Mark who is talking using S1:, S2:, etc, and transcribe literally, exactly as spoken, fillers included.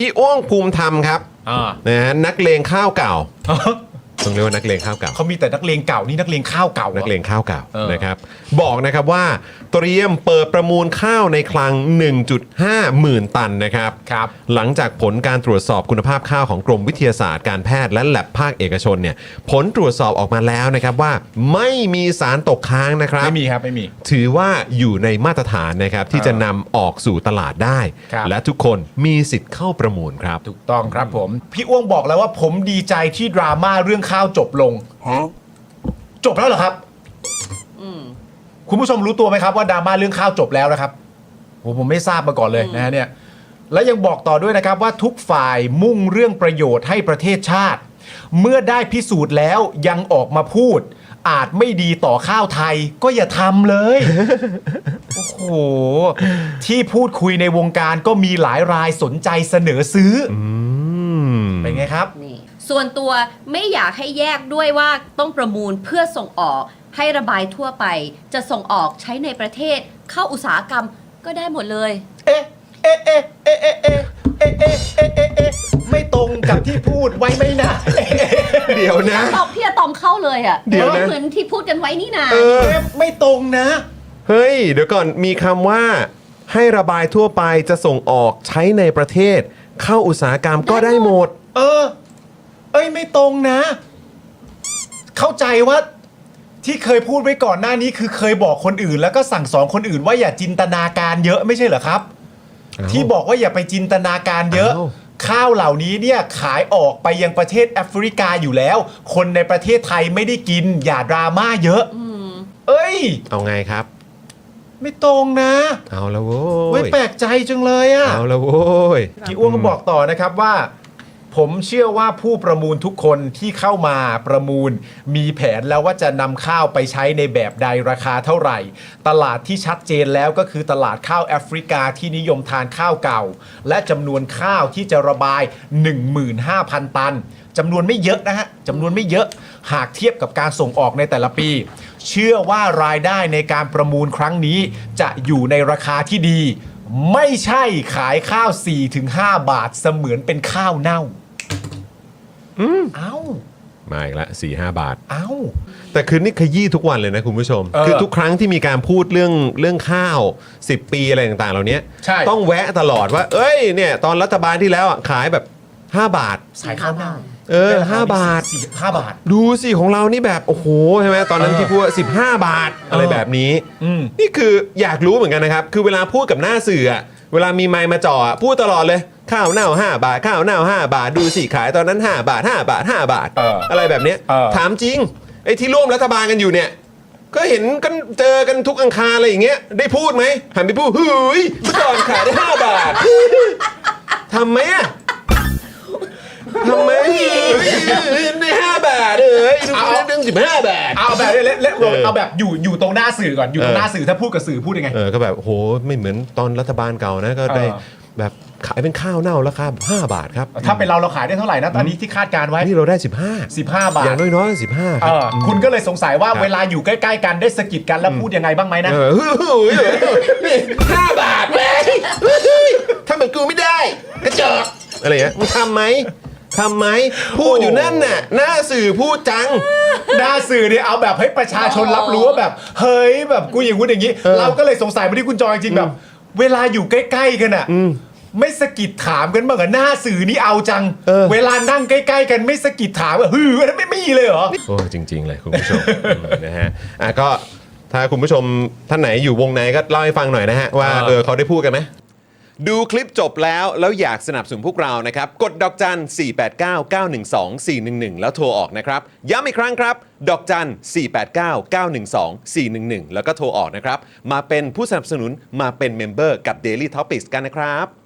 S1: พี่อ้วงภูมิธรรมครับนะฮะนักเลงข้าวเก่าต้องเรียกว่านักเลงข้าวเก่า
S2: เขามีแต่นักเลงเก่านี่นักเลงข้าวเก่า
S1: นักเลงข้าวเก่านะครับบอกนะครับว่าเตรียมเปิดประมูลข้าวในคลัง หนึ่งจุดห้า หมื่นตันนะครับ
S2: ครับ
S1: หลังจากผลการตรวจสอบคุณภาพข้าวของกรมวิทยาศาสตร์การแพทย์และแลบภาคเอกชนเนี่ยผลตรวจสอบออกมาแล้วนะครับว่าไม่มีสารตกค้างนะครับ
S2: ไม่มีครับไม่มี
S1: ถือว่าอยู่ในมาตรฐานนะครับที่จะนำออกสู่ตลาดได้และทุกคนมีสิทธิ์เข้าประมูลครับ
S2: ถูกต้องครับผมพี่อ้วงบอกแล้วว่าผมดีใจที่ดราม่าเรื่องข้าวจบลงจบแล้วเหรอครับคุณผู้ชมรู้ตัวไหมครับว่าดราม่าเรื่องข้าวจบแล้วนะครับโอ้ผมไม่ทราบมาก่อนเลยนะฮะเนี่ยและยังบอกต่อด้วยนะครับว่าทุกฝ่ายมุ่งเรื่องประโยชน์ให้ประเทศชาติเมื่อได้พิสูจน์แล้วยังออกมาพูดอาจไม่ดีต่อข้าวไทยก็อย่าทำเลย โอ้โหที่พูดคุยในวงการก็มีหลายรายสนใจเสนอซื้อเป็นไงครับ
S3: นี่ส่วนตัวไม่อยากให้แยกด้วยว่าต้องประมูลเพื่อส่งออกให้ระบายทั่วไปจะส่งออกใช้ในประเทศเข้าอุตสาหกรรมก็ได้หมดเลย
S2: เอ๊ะเอ๊ะเอ๊ะเอ๊ะเอ๊ะเอ๊ะเอ๊ะเอ๊ะเอ๊ะเอ๊ะไม่ตรงกับที่พูดไว้ไหมนะ
S1: เดี๋ยวนะ
S3: ตอบพี่อะตอมเข้าเลยอ่ะ
S1: เดี๋ยวนะ
S3: เหมือนที่พูดกันไว้นี่นา
S1: เออ
S2: ไม่ตรงนะ
S1: เฮ้ยเดี๋ยวก่อนมีคำว่าให้ระบายทั่วไปจะส่งออกใช้ในประเทศเข้าอุตสาหกรรมก็ได้หมด
S2: เออเอ้ยไม่ตรงนะเข้าใจว่าที่เคยพูดไว้ก่อนหน้านี้คือเคยบอกคนอื่นแล้วก็สั่งสอนคนอื่นว่าอย่าจินตนาการเยอะไม่ใช่เหรอครับที่บอกว่าอย่าไปจินตนาการเยอะข้าวเหล่านี้เนี่ยขายออกไปยังประเทศแอฟริกาอยู่แล้วคนในประเทศไทยไม่ได้กินอย่าดราม่าเยอะเอ้ย
S1: เอาไงครับ
S2: ไม่ตรงนะ
S1: เอาละโว้ย
S2: เว้ยแปลกใจจังเลยอะ
S1: เอาละโว้ย
S2: พี่อ้วงก็บอกต่อนะครับว่าผมเชื่อว่าผู้ประมูลทุกคนที่เข้ามาประมูลมีแผนแล้วว่าจะนำข้าวไปใช้ในแบบใดราคาเท่าไหร่ตลาดที่ชัดเจนแล้วก็คือตลาดข้าวแอฟริกาที่นิยมทานข้าวเก่าและจำนวนข้าวที่จะระบาย หนึ่งหมื่นห้าพัน ตันจำนวนไม่เยอะนะฮะจำนวนไม่เยอะหากเทียบกับการส่งออกในแต่ละปีเชื่อว่ารายได้ในการประมูลครั้งนี้จะอยู่ในราคาที่ดีไม่ใช่ขายข้าว สี่ถึงห้า บาทเสมือนเป็นข้าวเน่า
S1: อืม
S2: เอ้า
S1: มาอีกละสี่ห้าบาท
S2: เอ้า
S1: แต่คือนี่ขยี้ทุกวันเลยนะคุณผู้ชม
S2: เออ
S1: คือทุกครั้งที่มีการพูดเรื่องเรื่องข้าวสิบปีอะไรต่างๆเหล่านี้ต้องแวะตลอดว่าเอ้ยเนี่ยตอนรัฐบาลที่แล้วอ่ะขายแบบห้าบาท
S2: ขายข้าวเน่า
S1: เออห้าบาท
S2: สี่ห้าบาท
S1: ดูสิของเรานี่แบบโอ้โหใช่ไหมตอนนั้นที่พูดสิบห้าบาทอะไรแบบนี้นี่คืออยากรู้เหมือนกันนะครับคือเวลาพูดกับหน้าสื่ออ่ะเวลามีไมค์มาจ่อพูดตลอดเลยข้าวเน่าห้าบาทข้าวเน่าห้าบาทดูสิขายตอนนั้นห้าบาทห้าบาทห้าบาท
S2: อ,
S1: อะไรแบบนี้ถามจริงไอ้ที่ร่วมรัฐบาลกันอยู่เนี่ยก็เห็นกันเจอกันทุกอังคารอะไรอย่างเงี้ยได้พูดไหมหันไปพูดเฮ้ยเมื่อก่อนขายได้ห้าบาททำไหมอะทำไมในห้าบาทเลยเอาเรื่องสิบห้าบาท
S2: เอาแบบเละๆเอาแบบอยู่อยู่ตรงหน้าสื่อก่อนอยู่ตรงหน้าสื่อถ้าพูดกับสื่อพูดยังไง
S1: เออก็แบบโหไม่เหมือนตอนรัฐบาลเก่านะก็ได้แบบขายเป็นข้าวเน่าราคาห้าบาทครับ
S2: ถ้าเป็นเราเราขายได้เท่าไหร่นะตอนนี้ที่คาดการไว้
S1: นี่เราได้สิบห้า
S2: สิบห้าบาท
S1: อย่างน้อยๆสิบห้าครับ
S2: คุณก็เลยสงสัยว่าเวลาอยู่ใกล้ๆกันได้สะกิดกันแล้วพูดยังไงบ้างไหมนะ
S1: ห้าบาทแม่ถ้าเหมือนกูไม่ได้กระจอกอะไรเงี้ยมึงทำไหมทำไหมพูดอยู่นั่นน่ะหน้าสื่อพูดจัง
S2: หน้าสื่อเนี่ยเอาแบบให้ประชาชนรับรู้ว่าแบบเฮ้ยแบบกูอย่างพูดอย่างนี้เราก็เลยสงสัยมาที่คุณจอยจริงแบบเวลาอยู่ใกล้ๆกันอ่ะไม่สะกิดถามกันบ้างเหรอหน้าสื่อนี่เอาจังเวลานั่งใกล้ๆกันไม่สะกิดถามว่าฮืออันนั้นไม่มีเลยเหรอ
S1: โอ้จริงๆเลยคุณผู้ชมนะฮะอ่ะก็ถ้าคุณผู้ชมท่านไหนอยู่วงในก็เล่าให้ฟังหน่อยนะฮะว่าเออเขาได้พูดกันไหมดูคลิปจบแล้วแล้วอยากสนับสนุนพวกเรานะครับกดดอกจันสี่แปดเก้า เก้าหนึ่งสอง สี่หนึ่งหนึ่งแล้วโทรออกนะครับย้ำอีกครั้งครับดอกจันสี่แปดเก้า เก้าหนึ่งสอง สี่หนึ่งหนึ่งแล้วก็โทรออกนะครับมาเป็นผู้สนับสนุนมาเป็นเมมเบอร์กับ Daily Topics กันนะครับ